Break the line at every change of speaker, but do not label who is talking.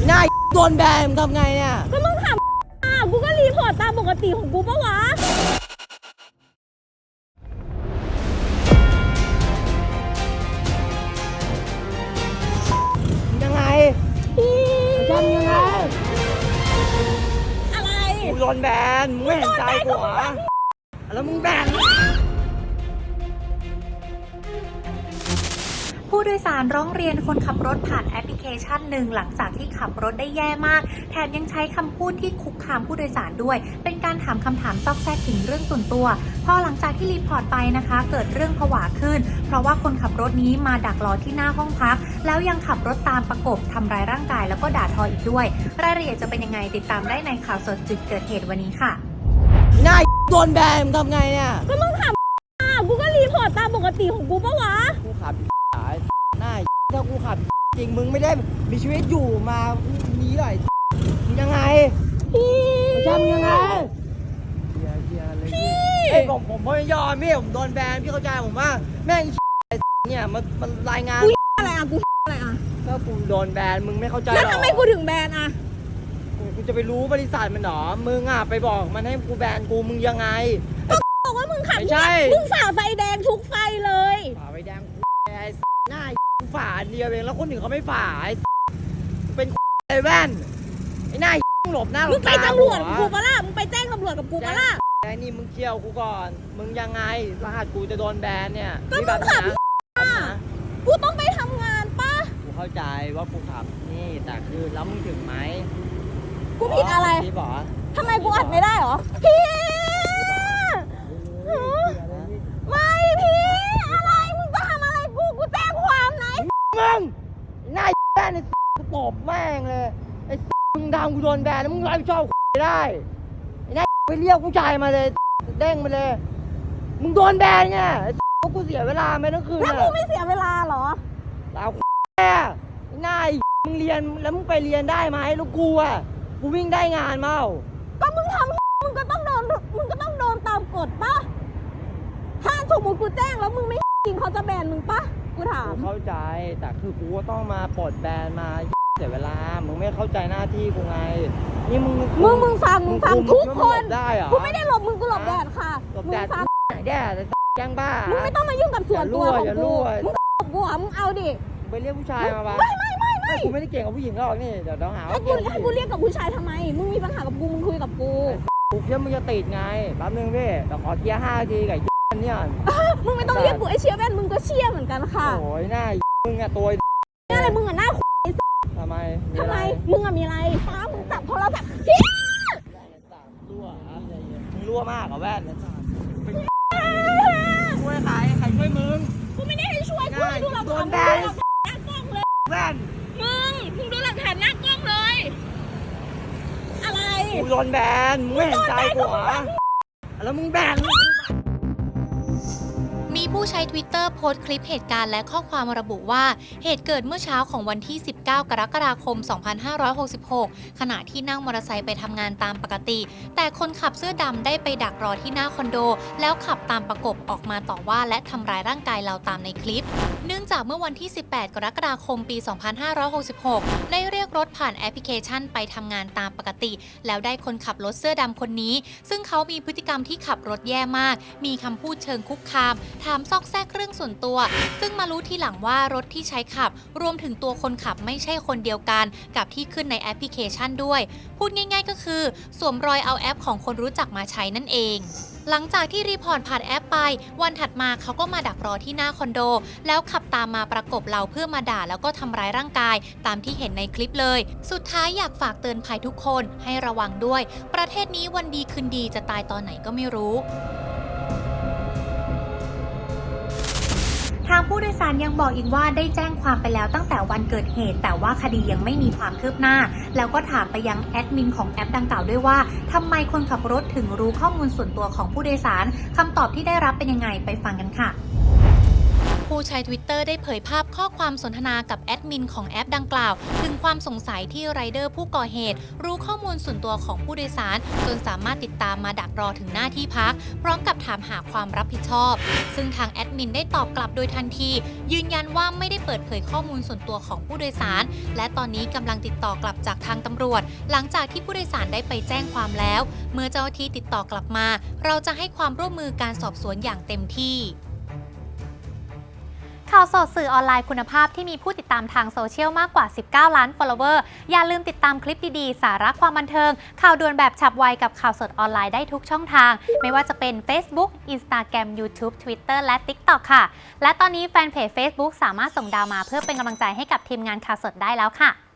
หน้าโดนแบนทำไงเนี่ย
ก็มึงถามกูก็รีพอร์ตตามปกติของกูปะวะ
ยังไงทำยังไง
อะไร
กูโดนแบนมึงไม่เห็นใจกูเหรอแล้วมึงแบน
ผู้โดยสารร้องเรียนคนขับรถผ่านแอปพลิเคชันหนึ่งหลังจากที่ขับรถได้แย่มากแถมยังใช้คำพูดที่คุกคามผู้โดยสารด้วยเป็นการถามคำถามซอกแซกถึงเรื่องส่วนตัวพอหลังจากที่รีพอร์ตไปนะคะเกิดเรื่องผวาขึ้นเพราะว่าคนขับรถนี้มาดักรอที่หน้าห้องพักแล้วยังขับรถตามประกบทำร้ายร่างกายแล้วก็ด่าทออีกด้วยรายละเอียดจะเป็นยังไงติดตามได้ในข่าวสดจุดเกิดเหตุวันนี้ค่ะ
หน้าโดนแบนทำไงเนี่ย
ก็มึงถามกูก็รีพอร์ตตามปกติของกูปะวะ
กูขับหน้าถ้ากูขับจริงมึงไม่ได้มีชีวิตอยู่มานี้หรอยังไง
พี่
ทำยังไงพี่ผมไม่ยอมพี่ผมโดนแบนพี่เข้าใจผมว่าแม่งเนี่ยมันรายงาน
อะไรอ่ะกูอะไรอ่ะ
ก็กูโดนแบนมึงไม่เข้าใจหรอ
แล้วทำไมกูถึงแบนอ่ะ
กูจะไปรู้บริษัทมันหรอมึงอ่ะไปบอกมันให้กูแบนกูมึงยังไง
บอกว่ามึงขับ
ไม่ใช่
มึงฝ่าไฟแดงทุกไฟเลย
ฝ่าไฟแดงไอ้หน้าฝ่าเดียวเองแล้วคนอื่นเขาไม่ฝ่าไอ้เป็นไอ้แว่นไอ้หน้าหลบหน้าหลบตามึง
ไปตำรวจกูปะล่ะมึงไปแจ้งตำรวจกับกูปะล่ะ
ไอ้นี่มึงเที่ยวกูก่อนมึงยังไงรหัสกูจะโดนแบนเนี่ย
ก็มึงขับกูต้องไปทำงานปะ
กูเข้าใจว่ากูขับนี่แต่คือแล้วมึงถึงไหม
กูผิดอะไร
พี่บอก
ทำไมกูอัดไม่ได้หรอพี่ไม่พี่อะไรมึงจะทำอะไรกูแจ้งความไหน
มึงหน้าแบนไอ้กูตบแม่งเลยไอ้มึงทำกูโดนแบนแล้วมึงรับผิดชอบได้ไอ้หน้าไปเรียกผู้ชายมาเลยเด้งมาเลยมึงโดนแบนไงเพราะกูเสียเวลาไปทั้งคืน
แล้วกูไม่เสียเวลาหรอ
เราแม่หน้ามึงเรียนแล้วมึงไปเรียนได้ไหมแล้วกูอ่ะกูวิ่งได้งานเมา
ก็มึงทำมึงก็ต้องโดนตามกฎป่ะถ้าสมมติกูแจ้งแล้วมึงไม่จริงเขาจะแบนมึงป่ะกูถาม
เข้าใจแต่คือกูก็ต้องมาปลดแบนมาเสียเวลามึงไม่เข้าใจหน้าที่กูไงนี่มึง
ฟังทุกคน
ได้เหรอ
กูไม่ได้หลบมึงกูหลบแดดค่ะ
มึงฟังแดดแกล้งบ้า
มึงไม่ต้องมายุ่งกับส่วนตัวของกูมึงหลบกูอ่ะมึงเอาดิ
ไปเรียกผู้ชายมาไม่กูไม่ได้เก่งกับผู้หญิงหรอกนี่เดี๋ยวต้องหา
ให้กูเรียกกับผู้ชายทำไมมึงมีปัญหากับกูมึงคุยกับกู
กูเชื่อมึงจะติดไงแป๊บนึงพี่เดี๋ยวขอเทียร์5 นาทีกับเนี่ย
มึงไม่ต้องเรียกกูไอเชียแว่นมึงก็เชียเหมือนกันค่ะ
โอ้ยหน้ามึงอะตัว
อะไรมึงอะหน้า
ทำไม
มึงอะมีอะไรฟ้ามึงจับโทรศัพท์
รั่วมากเหรอแว่นช่วยใครช่วยมึง
กูไม่ได้ให้ช่วยกูดูหลักฐานหน้ากล้องเลย
แว่น
มึงดูหลักฐานหน้ากล้องเลยอะไร
กูโดนแบนมึงไม่เห็นใจกูเหรอแล้วมึงแบน
มีผู้ใช้ Twitter โพสต์คลิปเหตุการณ์และข้อความระบุว่าเหตุเกิดเมื่อเช้าของวันที่ 19 กรกฎาคม 2566 ขณะที่นั่งมอเตอร์ไซค์ไปทำงานตามปกติแต่คนขับเสื้อดำได้ไปดักรอที่หน้าคอนโดแล้วขับตามประกบออกมาต่อว่าและทำร้ายร่างกายเราตามในคลิปเนื่องจากเมื่อวันที่ 18 กรกฎาคม ปี 2566 ได้เรียกรถผ่านแอปพลิเคชันไปทำงานตามปกติแล้วได้คนขับรถเสื้อดำคนนี้ซึ่งเขามีพฤติกรรมที่ขับรถแย่มากมีคำพูดเชิงคุกคามถามซอกแซกเรื่องส่วนตัวซึ่งมารู้ทีหลังว่ารถที่ใช้ขับรวมถึงตัวคนขับไม่ใช่คนเดียวกันกับที่ขึ้นในแอปพลิเคชันด้วยพูดง่ายๆก็คือสวมรอยเอาแอปของคนรู้จักมาใช้นั่นเองหลังจากที่รีพอร์ตผ่านแอปไปวันถัดมาเขาก็มาดักรอที่หน้าคอนโดแล้วขับตามมาประกบเราเพื่อมาด่าแล้วก็ทำร้ายร่างกายตามที่เห็นในคลิปเลยสุดท้ายอยากฝากเตือนภัยทุกคนให้ระวังด้วยประเทศนี้วันดีคืนดีจะตายตอนไหนก็ไม่รู้ทางผู้โดยสารยังบอกอีกว่าได้แจ้งความไปแล้วตั้งแต่วันเกิดเหตุแต่ว่าคดียังไม่มีความคืบหน้าแล้วก็ถามไปยังแอดมินของแอปดังกล่าวด้วยว่าทำไมคนขับรถถึงรู้ข้อมูลส่วนตัวของผู้โดยสารคำตอบที่ได้รับเป็นยังไงไปฟังกันค่ะผู้ใช้ Twitter ได้เผยภาพข้อความสนทนากับแอดมินของแอปดังกล่าวถึงความสงสัยที่ไรเดอร์ผู้ก่อเหตุรู้ข้อมูลส่วนตัวของผู้โดยสารจนสามารถติดตามมาดักรอถึงหน้าที่พักพร้อมกับถามหาความรับผิดชอบซึ่งทางแอดมินได้ตอบกลับโดยทันทียืนยันว่าไม่ได้เปิดเผยข้อมูลส่วนตัวของผู้โดยสารและตอนนี้กำลังติดต่อกลับจากทางตำรวจหลังจากที่ผู้โดยสารได้ไปแจ้งความแล้วเมื่อเจ้าหน้าที่ติดต่อกลับมาเราจะให้ความร่วมมือการสอบสวนอย่างเต็มที่ข่าวสดสื่อออนไลน์คุณภาพที่มีผู้ติดตามทางโซเชียลมากกว่า19 ล้าน follower อย่าลืมติดตามคลิปดีๆสาระความบันเทิงข่าวด่วนแบบฉับไวกับข่าวสดออนไลน์ได้ทุกช่องทางไม่ว่าจะเป็น Facebook Instagram YouTube Twitter และ TikTok ค่ะและตอนนี้แฟนเพจ Facebook สามารถส่งดาวมาเพื่อเป็นกำลังใจให้กับทีมงานข่าวสดได้แล้วค่ะ